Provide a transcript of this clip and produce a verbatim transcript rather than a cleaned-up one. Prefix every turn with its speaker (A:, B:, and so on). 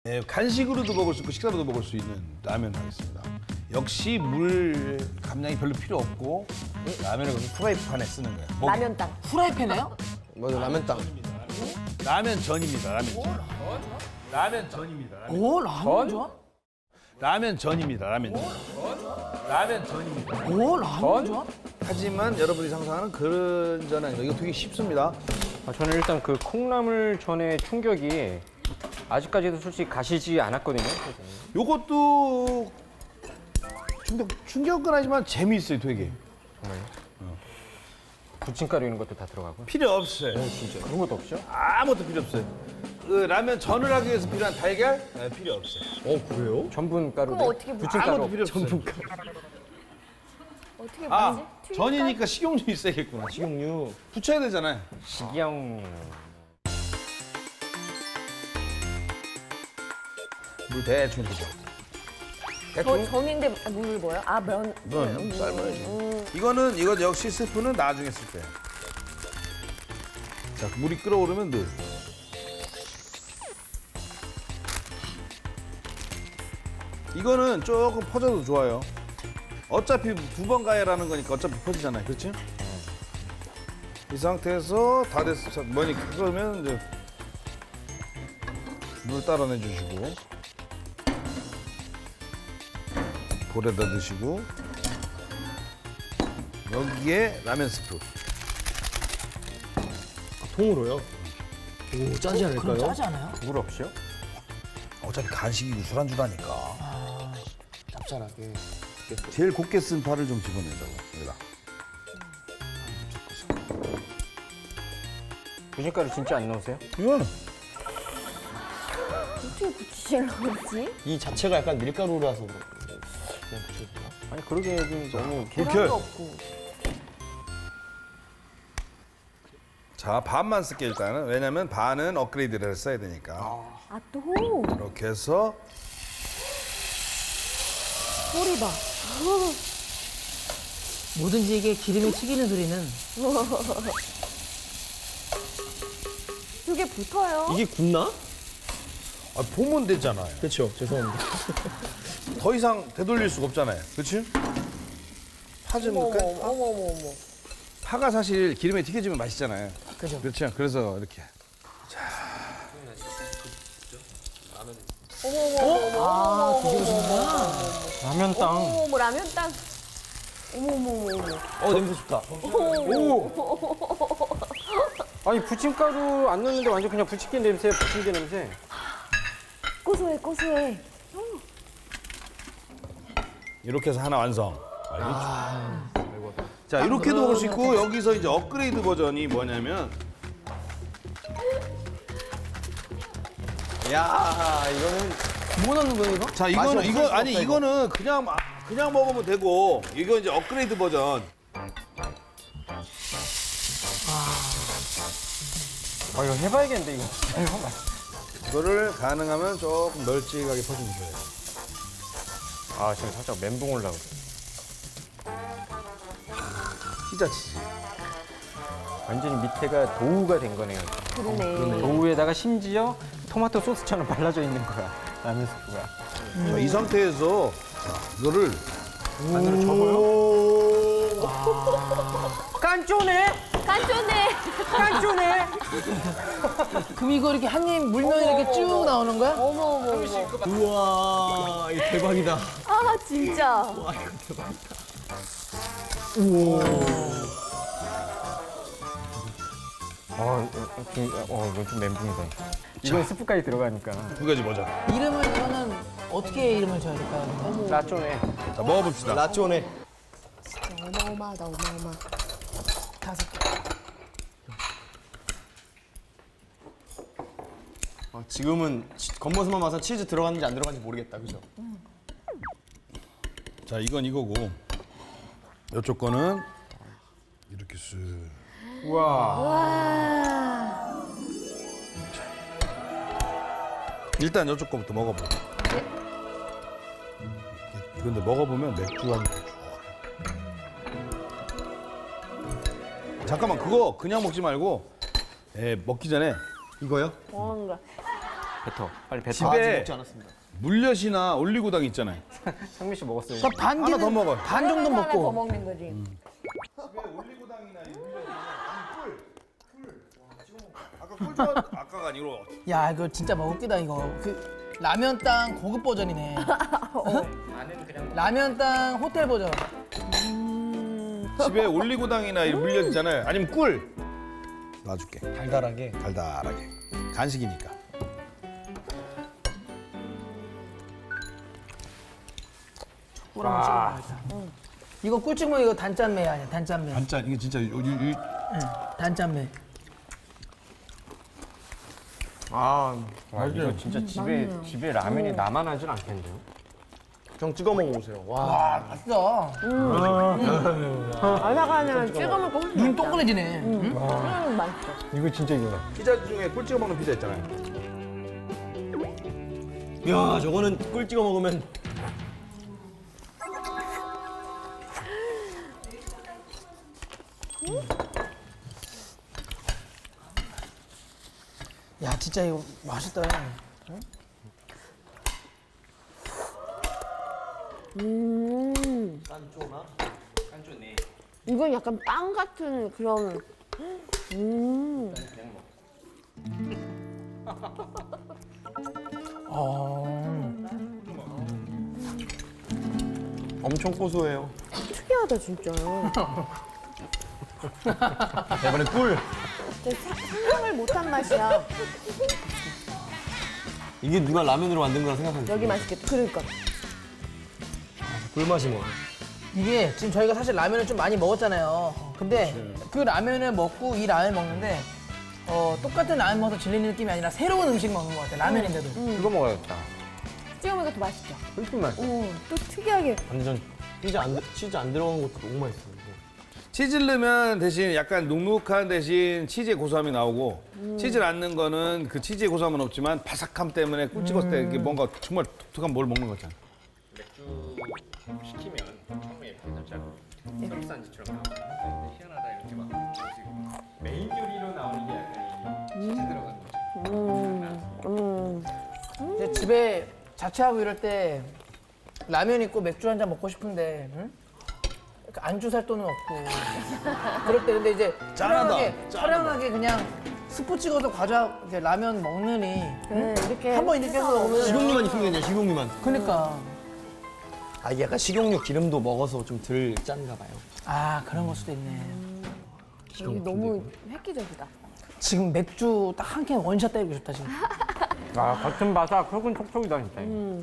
A: 네, 간식으로도 먹을 수 있고 식사로도 먹을 수 있는 라면 하겠습니다. 역시 물 감량이 별로 필요 없고 라면을 그냥 프라이팬에 쓰는 거예요. 뭐,
B: 라면 땅.
C: 후라이팬에요?
D: 맞아, 라면 땅.
A: 라면 전입니다. 라면 전. 라면 전입니다. 라면,
C: 오, 라면 좋아?
A: 라면 전입니다. 라면 전. 라면 전입니다.
C: 오, 라면 좋아?
A: 하지만 여러분이 상상하는 그런 전 아니고 이거 되게 쉽습니다.
E: 아, 저는 일단 그 콩나물 전의 충격이 아직까지도 솔직히 가시지 않았거든요.
A: 요것도 충격, 충격은 하지만 재미있어요, 되게.
E: 부침가루 이런 것도 다 들어가고.
A: 필요 없어요.
E: 진짜 그런 것도 없죠?
A: 아무것도 필요 없어요. 그 라면 전을 하기 위해서 필요한 달걀? 네, 필요 없어요.
D: 어, 그래요?
E: 전분 가루.
B: 그럼 어떻게 부-
E: 부침가루.
A: 아무것도 필요 없어요.
B: 어떻게
A: 아,
B: 만지? 튀김가루?
A: 전이니까 식용유 있어야겠구나.
D: 식용유.
A: 붙여야 되잖아요.
E: 식용.
A: 물 대충 주죠.
B: 저 전인데 물을 뭐요? 아 면.
A: 면 삶아야지. 이거는 이거 역시 스프는 나중에 쓸 거예요. 자, 물이 끓어오르면 넣어요. 이거는 조금 퍼져도 좋아요. 어차피 두 번 가야라는 거니까 어차피 퍼지잖아요. 그렇지? 이 상태에서 다 됐어. 면이 끓으면 이제 물 따라내 주시고 볼에다 넣으시고 여기에 라면 스프.
D: 통으로요? 오, 짜지
C: 그럼
D: 않을까요?
C: 짜지 않아요?
E: 물 없이요?
A: 어차피 간식이고 술안주라니까.
D: 짭짤하게.
A: 제일 곱게 쓴 파를 좀 집어내자고. 여기다.
E: 부침가루 진짜 안 넣으세요?
A: 이건
B: 어떻게 붙이시려고 그러지?
D: 이 자체가 약간 밀가루라서 그냥 붙여주나?
E: 아니 그러게 너무 길...
A: 불켜.
B: 계란도 없고.
A: 자, 반만 쓸게 일단은. 왜냐면 반은 업그레이드를 써야 되니까.
B: 아 또.
A: 이렇게 해서
B: 소리 봐.
C: 뭐든지 이게 기름이 튀기는 소리는
B: 두 개 붙어요.
D: 이게 굳나?
A: 아, 보면 되잖아요.
D: 그렇죠. 죄송합니다.
A: 더 이상 되돌릴 수가 없잖아요. 그렇지? 파 좀
B: 어머
A: 넣을까?
B: 어머 어머 어머 어머.
A: 파가 사실 기름에 튀겨지면 맛있잖아요.
C: 그죠.
A: 그렇죠. 그래서 이렇게.
B: 어머 어머 어머.
C: 아, 뒤집어진다.
E: 라면 땅.
B: 어머 어머 라면 땅. 어머 어머 어머 어머.
D: 어, 냄새 좋다.
E: 아니 부침가루 안 넣는데 완전 그냥 부침개 냄새, 부침개 냄새.
B: 고소해 고소해.
A: 이렇게 해서 하나 완성. 알겠죠? 자, 이렇게도 먹을 수 있고 여기서 이제 업그레이드 버전이 뭐냐면
D: 야, 이거는
C: 뭐 넣는 거예요, 이거?
A: 자, 이거는
D: 맛이
A: 이거
D: 없을
A: 아니
D: 수 없다,
A: 이거는 그냥 마- 그냥 먹으면 되고 이거 이제 업그레이드 버전.
E: 아 이거 해봐야겠는데 이거.
A: 이거를 가능하면 조금 널찍하게 퍼주셔야 돼요.
E: 아 지금 살짝 멘붕 올라오고.
A: 피자 치즈.
E: 완전히 밑에가 도우가 된 거네요.
B: 그러네.
E: 도우에다가 심지어 토마토 소스처럼 발라져 있는 거야. 라면 스프가.
A: 자, 이 상태에서 자, 이거를
E: 안으로 접어요? 깐쪼네?
B: 깐ጮ네.
E: 깐쪼네?
C: 그럼 이거 이렇게 한 입 물면 이렇게 쭉 나오는 거야?
B: 어머 어머 어머.
D: 우와, 이거 대박이다.
B: 아 진짜.
E: 아, 좀, 어, 이건 좀 멘붕이다. 이건 스프까지 들어가니까.
A: 두 가지 버전.
C: 이름을 그러면 어떻게 이름을 줘야 될까요?
E: 라쪼네.
A: 자, 먹어봅시다.
D: 라쪼네.
B: 어마어마하다 어마어마.
C: 다섯 개.
D: 아, 지금은 치- 겉모습만 봐서 치즈 들어갔는지 안 들어갔는지 모르겠다, 그죠?
A: 자, 이건 이거고 이쪽 거는 이렇게 쓱.
E: 우와.
B: 와.
A: 일단 이쪽 거부터 먹어봐. 근데 먹어보면 맥주 한 쭉. 잠깐만, 그거 그냥 먹지 말고 에, 먹기 전에
D: 이거요?
B: 뭔가.
E: 뱉어. 빨리 뱉어.
D: 아, 아직
A: 집에
D: 먹지 않았습니다.
A: 물엿이나 올리고당 있잖아요.
E: 상민 씨 먹었어요.
C: 그러니까 반
A: 하나
C: 개는
A: 더 먹어.
C: 반 정도
B: 하나 더
C: 먹고.
B: 먹는 거지.
A: 집에 올리고당이나 이 물엿이나 꿀, 꿀. 와, 찍어 먹어. 아까 꿀 좋아. 아까가 아니고.
C: 야 이거 진짜 먹을 끼다 이거. 그 라면 땅 고급 버전이네. 라면 땅 호텔 버전.
A: 집에 올리고당이나 이 물엿 있잖아요. 아니면 꿀. 놔줄게.
D: 달달하게.
A: 달달하게. 간식이니까.
C: 꿀 한번 찍어봐야겠다. 이거 꿀 찍으면 이거 단짠매 아니야 단짠매.
A: 반찬 이게 진짜 요, 요, 요,
C: 응, 단짠매.
D: 아,
E: 와, 이거 진짜 집에 집에 라면이 나만 하진 않겠는데요?
D: 형 찍어 먹어보세요. 와,
C: 아 맛있어.
B: 아삭하면 찍어 먹고 훨씬
C: 눈
B: 맛있다.
C: 동그래지네. 응?
B: 음, 맛있어.
E: 이거 진짜 이거야.
A: 피자 중에 꿀 찍어 먹는 피자 있잖아요.
D: 야, 저거는 꿀 찍어 먹으면
C: 야 진짜 이거 맛있다.
B: 음.
D: 깐쪼나?
B: 이건 약간 빵 같은 그런. 음.
C: 어.
D: 엄청 고소해요.
B: 특이하다 진짜.
D: 이번에 꿀.
B: 진짜 사- 상상을 못한 맛이야.
D: 이게 누가 라면으로 만든 거라 생각하는데
B: 여기 맛있겠다. 그러니까.
D: 꿀맛이 뭐.
C: 이게 지금 저희가 사실 라면을 좀 많이 먹었잖아요. 근데 그 라면을 먹고 이 라면 먹는데 어, 똑같은 라면 먹어서 질리는 느낌이 아니라 새로운 음식 먹는 것 같아요. 라면인데도.
E: 이거 먹어야겠다.
B: 찍어 먹으니까 더 맛있죠.
E: 훨씬 맛있어.
B: 오, 또 특이하게.
D: 완전 치즈 안, 들- 치즈 안 들어간 것도 너무 맛있어요. 이거.
A: 치즈를 넣으면 대신 약간 눅눅한 대신 치즈의 고소함이 나오고 치즈를 안 넣은 거는 그 치즈의 고소함은 없지만 바삭함 때문에 꿀 찍었을 때 이게 뭔가 정말 독특한 뭘 먹는 거잖아.
E: 맥주 시키면 처음에 살짝 설산지처럼 나오고 희한하다 이렇게 막 메인 요리로 나오는 게 약간 이 치즈 들어간 거죠.
B: 음.
C: 이제 집에 자취하고 이럴 때 라면 있고 맥주 한 잔 먹고 싶은데 응? 그러니까 안주 살 돈은 없고 그럴 때 근데 이제 촬영하게 촬영하게 그냥 스프 찍어서 과자 이제 라면 먹느니
B: 네, 이렇게.
C: 한 번 이렇게 해서 먹으면
D: 식용유만 있으면 되냐, 식용유만.
C: 그러니까
D: 아, 이게 약간 식용유 기름도 먹어서 좀 덜 짠가 봐요.
C: 아 그런 걸 수도 있네.
B: 이게 너무 획기적이다.
C: 지금 맥주 딱 한 캔 원샷 때리고 싶다 지금.
E: 아, 같은 바삭 속은 촉촉이다 진짜.